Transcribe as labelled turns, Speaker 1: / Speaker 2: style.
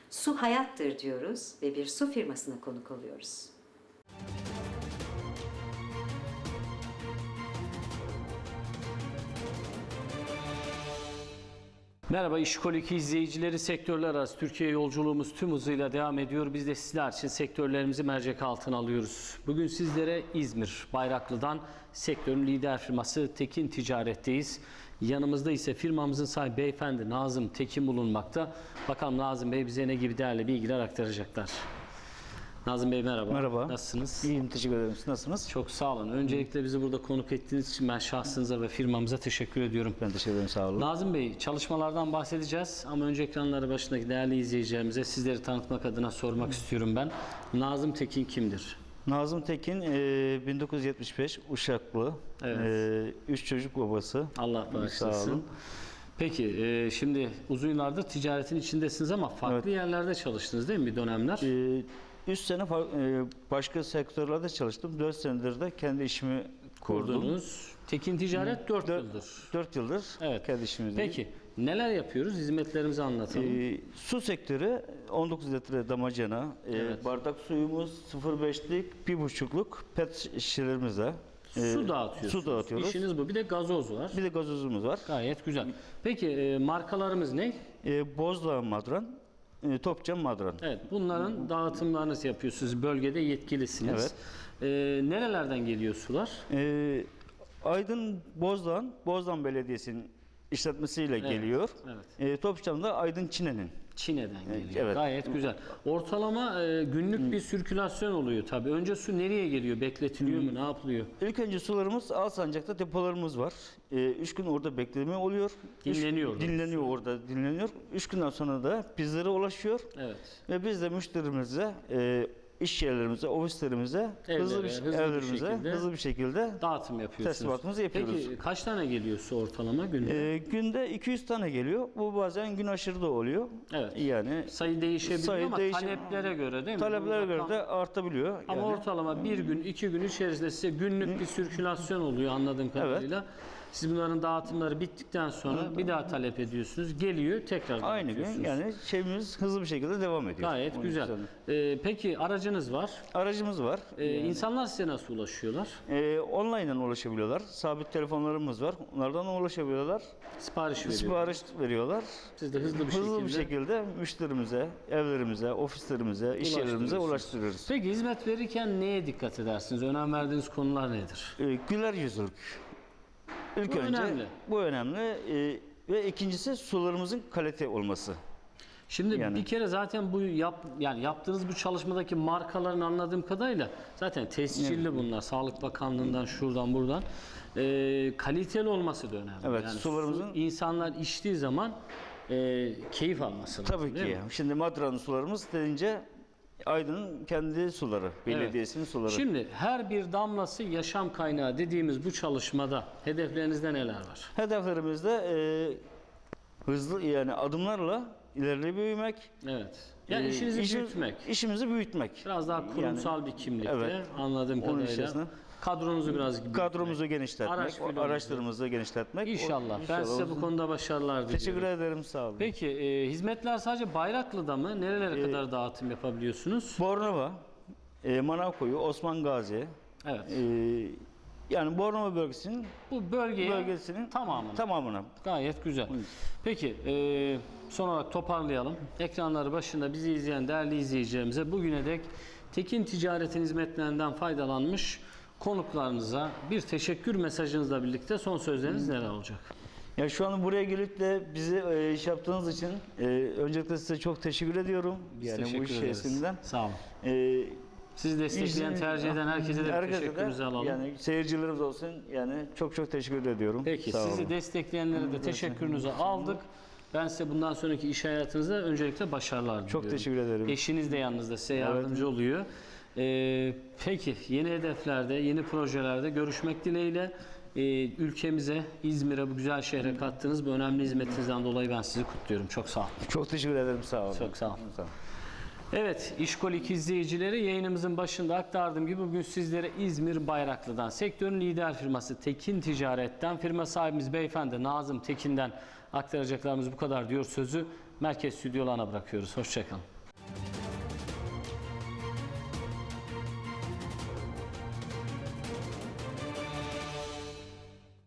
Speaker 1: Su hayattır diyoruz ve bir su firmasına konuk oluyoruz.
Speaker 2: Merhaba İşkol 2 izleyicileri, sektörler arası Türkiye yolculuğumuz tüm hızıyla devam ediyor. Biz de sizler için sektörlerimizi mercek altına alıyoruz. Bugün sizlere İzmir Bayraklı'dan sektörün lider firması Tekin Ticaret'teyiz. Yanımızda ise firmamızın sahibi beyefendi Nazım Tekin bulunmakta. Bakalım Nazım Bey bize ne gibi değerli bilgiler aktaracaklar. Nazım Bey merhaba.
Speaker 3: Merhaba.
Speaker 2: Nasılsınız?
Speaker 3: İyiyim, teşekkür ederim. Siz nasılsınız?
Speaker 2: Çok sağ olun. Öncelikle bizi burada konuk ettiğiniz için ben şahsınıza ve firmamıza teşekkür ediyorum.
Speaker 3: Ben teşekkür ederim, sağ olun.
Speaker 2: Nazım Bey, çalışmalardan bahsedeceğiz ama önce ekranları başındaki değerli izleyicilerimize sizleri tanıtmak adına sormak istiyorum ben. Nazım Tekin kimdir?
Speaker 3: Nazım Tekin 1975 Uşaklı.
Speaker 2: Evet.
Speaker 3: 3 çocuk babası.
Speaker 2: Allah
Speaker 3: Sağ
Speaker 2: bağışlasın.
Speaker 3: olun.
Speaker 2: Peki, şimdi uzun yıllardır ticaretin içindesiniz ama farklı yerlerde çalıştınız değil mi bir dönemler?
Speaker 3: 3 sene başka sektörlerde çalıştım. 4 senedir de kendi işimi kurdum.
Speaker 2: Kurdunuz. Tekin Ticaret 4 yıldır.
Speaker 3: 4 yıldır
Speaker 2: Evet.
Speaker 3: kendi işimizdeyim.
Speaker 2: Peki, neler yapıyoruz? Hizmetlerimizi anlatalım.
Speaker 3: Su sektörü 19 litre damacana,
Speaker 2: Evet.
Speaker 3: bardak suyumuz 0,5'lik, 1,5'luk pet şişelerimizle
Speaker 2: Su dağıtıyorsunuz.
Speaker 3: Su dağıtıyoruz.
Speaker 2: İşiniz bu. Bir de gazoz var.
Speaker 3: Bir de gazozumuz var.
Speaker 2: Gayet güzel. Peki, markalarımız ne?
Speaker 3: Bozdağ Madran, Topçam Madran.
Speaker 2: Evet, bunların dağıtımlarınızı yapıyorsunuz. Bölgede yetkilisiniz. Nerelerden geliyor sular?
Speaker 3: Aydın Bozdağ Belediyesi'nin işletmesiyle geliyor.
Speaker 2: Evet.
Speaker 3: Topçam da Aydın Çine'nin.
Speaker 2: Çin'den geliyor.
Speaker 3: Evet.
Speaker 2: Gayet güzel. Ortalama günlük bir sirkülasyon oluyor tabii. Önce su nereye geliyor? Bekletiliyor mu? Ne yapılıyor?
Speaker 3: İlk önce sularımız Alsancak'ta depolarımız var. 3 gün orada bekleme oluyor.
Speaker 2: Dinleniyor orada.
Speaker 3: Dinleniyor orada, dinleniyor. 3 günden sonra da bizlere ulaşıyor.
Speaker 2: Evet.
Speaker 3: Ve biz de müşterimize, iş yerlerimize, ofislerimize, hızlı bir şekilde
Speaker 2: Dağıtım yapıyorsunuz.
Speaker 3: teslimatımızı yapıyoruz.
Speaker 2: Peki kaç tane geliyor su ortalama günde?
Speaker 3: Günde 200 tane geliyor. Bu bazen gün aşırı da oluyor.
Speaker 2: Evet.
Speaker 3: Yani
Speaker 2: Sayı değişebiliyor ama taleplere göre değil mi?
Speaker 3: taleplere
Speaker 2: Bu
Speaker 3: göre
Speaker 2: rakam-
Speaker 3: de artabiliyor.
Speaker 2: Ama ortalama bir gün, 2 gün içerisinde size günlük bir sirkülasyon oluyor anladığım kadarıyla. Siz bunların dağıtımları bittikten sonra bir daha talep ediyorsunuz. Geliyor, tekrar
Speaker 3: aynı gün
Speaker 2: dağıtıyorsunuz.
Speaker 3: yani şeyimiz hızlı bir şekilde devam ediyor.
Speaker 2: Gayet
Speaker 3: Onun
Speaker 2: güzel.
Speaker 3: üzerine.
Speaker 2: Peki aracınız var.
Speaker 3: Aracımız var.
Speaker 2: İnsanlar size nasıl ulaşıyorlar?
Speaker 3: Online'dan ulaşabiliyorlar. Sabit telefonlarımız var. Onlardan ulaşabiliyorlar.
Speaker 2: Sipariş veriyor.
Speaker 3: Sipariş veriyorlar.
Speaker 2: Siz de hızlı bir şekilde
Speaker 3: müşterimize, evlerimize, ofislerimize, iş yerlerimize ulaştırıyoruz.
Speaker 2: Peki hizmet verirken neye dikkat edersiniz? Önem verdiğiniz konular nedir?
Speaker 3: Güler yüzlülük. İlk
Speaker 2: Bu
Speaker 3: önce
Speaker 2: önemli.
Speaker 3: bu önemli. Ve ikincisi sularımızın kalite olması.
Speaker 2: Şimdi
Speaker 3: Yani.
Speaker 2: bir kere zaten yani yaptığınız bu çalışmadaki markaların anladığım kadarıyla zaten tescilli bunlar. Sağlık Bakanlığı'ndan şuradan buradan. Kaliteli olması da önemli.
Speaker 3: Evet,
Speaker 2: Yani
Speaker 3: sularımızın-
Speaker 2: insanlar içtiği zaman keyif alması lazım.
Speaker 3: Tabii
Speaker 2: değil
Speaker 3: ki.
Speaker 2: mi?
Speaker 3: Şimdi Madra'nın sularımız deyince Aydın'ın kendi suları, belediyesinin suları.
Speaker 2: Şimdi her bir damlası yaşam kaynağı dediğimiz bu çalışmada hedeflerinizde neler var?
Speaker 3: Hedeflerimizde hızlı yani adımlarla ileri büyümek.
Speaker 2: Evet. Yani işinizi büyütmek.
Speaker 3: İşimizi büyütmek.
Speaker 2: Biraz daha kurumsal bir kimlikte
Speaker 3: Evet.
Speaker 2: anladığım
Speaker 3: Onun
Speaker 2: kadarıyla.
Speaker 3: içerisinde
Speaker 2: Kadronuzu biraz büyütmek.
Speaker 3: kadromuzu genişletmek,
Speaker 2: Araç filomuzu.
Speaker 3: araçlarımızı genişletmek.
Speaker 2: İnşallah. Ben size bu
Speaker 3: olsun.
Speaker 2: konuda başarılar diliyorum.
Speaker 3: Teşekkür ederim, sağ olun.
Speaker 2: Peki hizmetler sadece Bayraklı'da mı? Nerelere kadar dağıtım yapabiliyorsunuz?
Speaker 3: Bornova, Manavkoyu, Osman Gazi,
Speaker 2: Evet.
Speaker 3: yani Bornova bölgesinin
Speaker 2: Bu bölgesinin
Speaker 3: tamamına.
Speaker 2: Gayet güzel. Peki son olarak toparlayalım. Ekranları başında bizi izleyen değerli izleyicilerimize bugüne dek Tekin Ticaret'in hizmetlerinden faydalanmış konuklarınıza bir teşekkür mesajınızla birlikte son sözleriniz neler olacak?
Speaker 3: Ya şu an buraya gelip de bizi iş yaptığınız için öncelikle size çok teşekkür ediyorum.
Speaker 2: Biz
Speaker 3: Yani bu
Speaker 2: teşekkür
Speaker 3: iş
Speaker 2: ederiz.
Speaker 3: içerisinden.
Speaker 2: Sağ olun.
Speaker 3: E,
Speaker 2: Sizi destekleyen, tercih eden herkese de bir
Speaker 3: herkese
Speaker 2: teşekkürünüzü alalım.
Speaker 3: Yani seyircilerimiz olsun. Yani çok teşekkür ediyorum.
Speaker 2: Peki
Speaker 3: Sağ
Speaker 2: sizi
Speaker 3: olun.
Speaker 2: destekleyenlere de teşekkürünüzü aldık. Ben size bundan sonraki iş hayatınızda öncelikle başarılar diliyorum.
Speaker 3: Çok teşekkür ederim.
Speaker 2: Eşiniz de yanınızda size yardımcı oluyor. Peki yeni hedeflerde, yeni projelerde görüşmek dileğiyle ülkemize, İzmir'e, bu güzel şehre kattığınız bu önemli hizmetinizden dolayı ben sizi kutluyorum. Çok sağ olun.
Speaker 3: Çok teşekkür ederim, sağ olun.
Speaker 2: Çok sağ olun.
Speaker 3: Sağ olun.
Speaker 2: Evet, İşkol 2 izleyicileri, yayınımızın başında aktardığım gibi bugün sizlere İzmir Bayraklı'dan, sektörün lider firması Tekin Ticaret'ten, firma sahibimiz beyefendi Nazım Tekin'den aktaracaklarımız bu kadar diyor sözü merkez stüdyolarına bırakıyoruz. Hoşça kalın.